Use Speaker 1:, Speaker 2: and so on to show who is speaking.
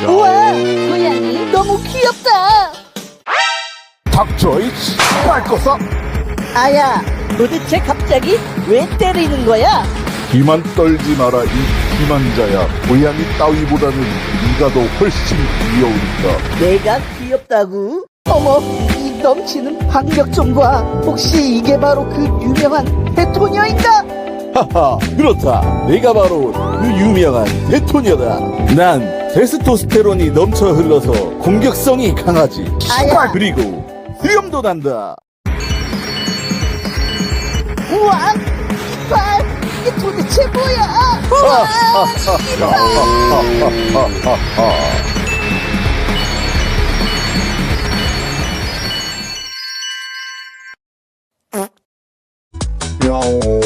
Speaker 1: 우와, 고양이 너무 귀엽다.
Speaker 2: 닥쳐, 이씨. 말 거서.
Speaker 1: 아야, 도대체 갑자기 왜 때리는 거야?
Speaker 2: 기만 떨지 마라, 이 기만자야. 고양이 따위보다는 네가 더 훨씬 귀여우니까.
Speaker 1: 내가 귀엽다고? 어머, 이 넘치는 박력 좀 봐. 혹시 이게 바로 그 유명한 대토녀인가?
Speaker 3: 하하, 그렇다. 내가 바로 그 유명한 대토녀다. 난 테스토스테론이 넘쳐 흘러서 공격성이 강하지.
Speaker 1: 아야.
Speaker 3: 그리고 수염도 난다.
Speaker 1: 우와, 이빨, 이게 도대체 뭐야? 우와,
Speaker 2: 야옹.